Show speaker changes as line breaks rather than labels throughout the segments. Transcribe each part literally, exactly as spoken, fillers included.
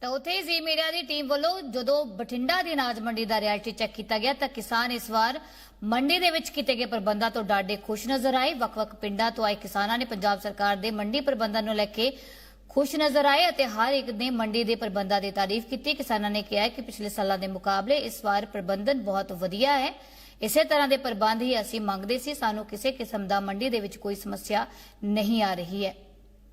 ਤਾਂ ਉੱਥੇ ਜ਼ੀ ਮੀਡੀਆ ਦੀ ਟੀਮ ਵੱਲੋਂ ਜਦੋਂ ਬਠਿੰਡਾ ਦੀ ਅਨਾਜ ਮੰਡੀ ਦਾ ਰਿਐਲਿਟੀ ਚੈੱਕ ਕੀਤਾ ਗਿਆ ਤਾਂ ਕਿਸਾਨ ਇਸ ਵਾਰ ਮੰਡੀ ਦੇ ਵਿੱਚ ਕੀਤੇ ਗਏ ਪ੍ਰਬੰਧਾਂ ਤੋਂ ਡਾਢੇ ਖੁਸ਼ ਨਜ਼ਰ ਆਏ। ਵੱਖ-ਵੱਖ ਪਿੰਡਾਂ ਤੋਂ ਆਏ ਕਿਸਾਨਾਂ ਨੇ ਪੰਜਾਬ ਸਰਕਾਰ ਦੇ ਮੰਡੀ ਪ੍ਰਬੰਧਾਂ ਨੂੰ ਲੈ ਕੇ ਖੁਸ਼ ਨਜ਼ਰ ਆਏ ਅਤੇ ਹਰ ਇੱਕ ਨੇ ਮੰਡੀ ਦੇ ਪ੍ਰਬੰਧਾਂ ਦੀ ਤਾਰੀਫ ਕੀਤੀ। ਕਿਸਾਨਾਂ ਨੇ ਕਿਹਾ ਕਿ ਪਿਛਲੇ ਸਾਲਾਂ ਦੇ ਮੁਕਾਬਲੇ ਇਸ ਵਾਰ ਪ੍ਰਬੰਧਨ ਬਹੁਤ ਵਧੀਆ ਹੈ। ਇਸੇ ਤਰ੍ਹਾਂ ਦੇ ਪ੍ਰਬੰਧ ਹੀ ਅਸੀਂ ਮੰਗਦੇ ਸੀ। ਸਾਨੂੰ ਕਿਸੇ ਕਿਸਮ ਦਾ ਮੰਡੀ ਦੇ ਵਿੱਚ ਕੋਈ ਸਮੱਸਿਆ ਨਹੀਂ ਆ ਰਹੀ ਹੈ।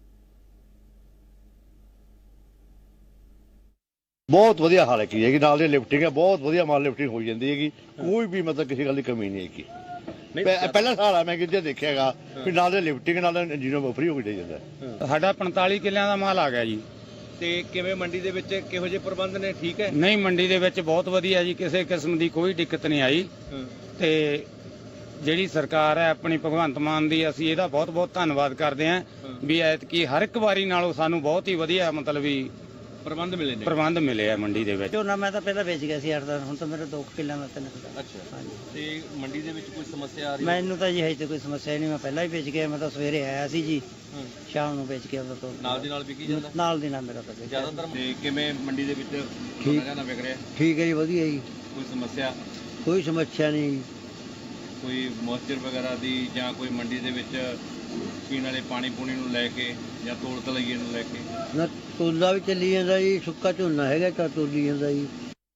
बहुत वधिया हाल की है नाल लिफ्टिंग है, बहुत वधिया माल लिफ्टिंग हो जाती है। कोई भी मतलब किसी गल की कमी नहीं है। पहला साल है मैं कि देखिएगा भी नाल लिफ्टिंग नाल इंजीनियर फ्री हो के जाता है।
साडा पैंताली किलियां दा माल आ गया जी।
ਤੇ ਕਿਵੇਂ ਮੰਡੀ ਦੇ ਵਿੱਚ ਕਿਹੋ ਜਿਹੇ ਪ੍ਰਬੰਧ ਨੇ? ਠੀਕ ਹੈ।
ਨਹੀਂ ਮੰਡੀ ਦੇ ਵਿੱਚ ਬਹੁਤ ਵਧੀਆ ਜੀ, ਕਿਸੇ ਕਿਸਮ ਦੀ ਕੋਈ ਦਿੱਕਤ ਨਹੀਂ ਆਈ। ਤੇ ਜਿਹੜੀ ਸਰਕਾਰ ਹੈ ਆਪਣੀ ਭਗਵੰਤ ਮਾਨ ਦੀ, ਅਸੀਂ ਇਹਦਾ ਬਹੁਤ ਬਹੁਤ ਧੰਨਵਾਦ ਕਰਦੇ ਹਾਂ ਵੀ ਐਤਕੀ ਹਰ ਇੱਕ ਵਾਰੀ ਨਾਲੋਂ ਸਾਨੂੰ ਬਹੁਤ ਹੀ ਵਧੀਆ ਮਤਲਬ ਵੀ
ਪ੍ਰਬੰਧ ਮਿਲੇ ਨੇ
ਪ੍ਰਬੰਧ ਮਿਲੇ ਆ ਮੰਡੀ ਦੇ ਵਿੱਚ।
ਝੋਨਾ ਮੈਂ ਤਾਂ ਪਹਿਲਾਂ ਵੇਚ ਗਿਆ ਸੀ ਅੱਠ ਦਸ, ਹੁਣ ਤਾਂ ਮੇਰੇ ਦੋ ਕਿੱਲਿਆਂ ਦਾ ਤਿੰਨ।
ਅੱਛਾ, ਤੇ ਮੰਡੀ ਦੇ ਵਿੱਚ ਕੋਈ ਸਮੱਸਿਆ ਆ ਰਹੀ ਹੈ?
ਮੈਨੂੰ ਤਾਂ ਜੀ ਹਜੇ ਤੇ ਕੋਈ ਸਮੱਸਿਆ ਨਹੀਂ, ਮੈਂ ਪਹਿਲਾਂ ਹੀ ਵੇਚ ਗਿਆ। ਮੈਂ ਤਾਂ ਸਵੇਰੇ ਆਇਆ ਸੀ ਜੀ, ਸ਼ਾਮ ਨੂੰ ਵੇਚ ਕੇ ਆਉਂਦਾ ਤੋਂ
ਨਾਲ ਦੀ ਨਾਲ ਵਿਕੀ ਜਾਂਦਾ?
ਨਾਲ ਦੀ ਨਾਲ ਮੇਰਾ ਤਾਂ
ਜ਼ਿਆਦਾਤਰ। ਤੇ ਕਿਵੇਂ ਮੰਡੀ ਦੇ ਵਿੱਚ ਝੋਨਾ ਵਿਕ ਰਿਹਾ?
ਠੀਕ ਹੈ ਜੀ, ਵਧੀਆ ਜੀ,
ਕੋਈ ਸਮੱਸਿਆ?
ਕੋਈ ਸਮੱਸਿਆ ਨਹੀਂ।
ਕੋਈ ਮੋਇਸਚਰ ਵਗੈਰਾ ਦੀ ਜਾਂ ਕੋਈ ਮੰਡੀ ਦੇ ਵਿੱਚ ਪੀਣ ਵਾਲੇ ਪਾਣੀ ਪੂਣੀ ਨੂੰ ਲੈ ਕੇ ਜਾਂ ਤੋਲ ਤਲਈਏ ਨੂੰ ਲੈ ਕੇ?
ਨਾ ਤੋਲਾ ਵੀ ਚੱਲੀ ਜਾਂਦਾ ਜੀ, ਸੁੱਕਾ ਝੋਨਾ ਹੈਗਾ ਤਾਂ ਤੋਲੀ ਜਾਂਦਾ ਜੀ।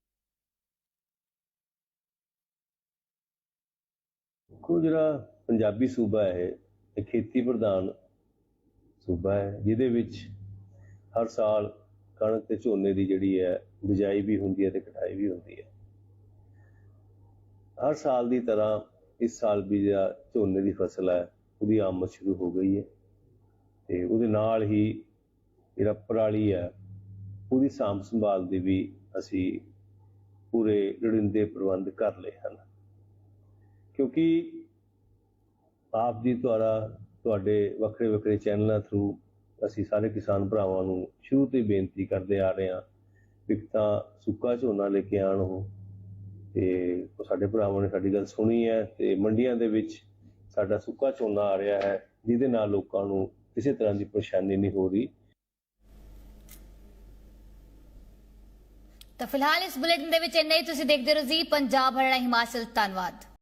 ਦੇਖੋ, ਜਿਹੜਾ ਪੰਜਾਬੀ ਸੂਬਾ ਹੈ ਇਹ ਖੇਤੀ ਪ੍ਰਧਾਨ ਸੂਬਾ ਹੈ, ਜਿਹਦੇ ਵਿੱਚ ਹਰ ਸਾਲ ਕਣਕ ਤੇ ਝੋਨੇ ਦੀ ਜਿਹੜੀ ਹੈ ਬਿਜਾਈ ਵੀ ਹੁੰਦੀ ਹੈ ਤੇ ਕਟਾਈ ਵੀ ਹੁੰਦੀ ਹੈ। ਹਰ ਸਾਲ ਦੀ ਤਰ੍ਹਾਂ ਇਸ ਸਾਲ ਵੀ ਜਿਹੜਾ ਝੋਨੇ ਦੀ ਫਸਲ ਹੈ ਉਹਦੀ ਆਮਦ ਸ਼ੁਰੂ ਹੋ ਗਈ ਹੈ ਤੇ ਉਹਦੇ ਨਾਲ ਹੀ ਜਿਹੜਾ ਪਰਾਲੀ ਹੈ ਉਹਦੀ ਸਾਂਭ ਸੰਭਾਲ ਦੇ ਵੀ ਅਸੀਂ ਪੂਰੇ ਲੋੜੀਂਦੇ ਪ੍ਰਬੰਧ ਕਰ ਲਏ ਹਨ, ਕਿਉਂਕਿ ਆਪ ਜੀ ਦੁਆਰਾ ਤੁਹਾਡੇ ਵੱਖਰੇ ਵੱਖਰੇ ਚੈਨਲਾਂ ਥਰੂ ਅਸੀਂ ਸਾਰੇ ਕਿਸਾਨ ਭਰਾਵਾਂ ਨੂੰ ਸ਼ੁਰੂ ਤੋਂ ਹੀ ਬੇਨਤੀ ਕਰਦੇ ਆ ਰਹੇ ਹਾਂ ਵੀ ਤਾਂ ਸੁੱਕਾ ਝੋਨਾ ਲੈ ਕੇ ਆਉਣ ਉਹ, ਤੇ ਸਾਡੇ ਭਰਾਵਾਂ ਨੇ ਸਾਡੀ ਗੱਲ ਸੁਣੀ ਹੈ ਤੇ ਮੰਡੀਆਂ ਦੇ ਵਿੱਚ ਸਾਡਾ ਸੁੱਕਾ ਝੋਨਾ ਆ ਰਿਹਾ ਹੈ, ਜਿਹਦੇ ਨਾਲ ਲੋਕਾਂ ਨੂੰ ਕਿਸੇ ਤਰ੍ਹਾਂ ਦੀ ਪਰੇਸ਼ਾਨੀ ਨਹੀਂ ਹੋ ਰਹੀ।
ਤਾਂ ਫਿਲਹਾਲ ਇਸ ਬੁਲੇਟਿਨ ਦੇ ਵਿੱਚ ਇੰਨਾ ਹੀ। ਤੁਸੀਂ ਦੇਖਦੇ ਰਹੋ ਜੀ ਪੰਜਾਬ ਹਰਿਆਣਾ ਹਿਮਾਚਲ। ਧੰਨਵਾਦ।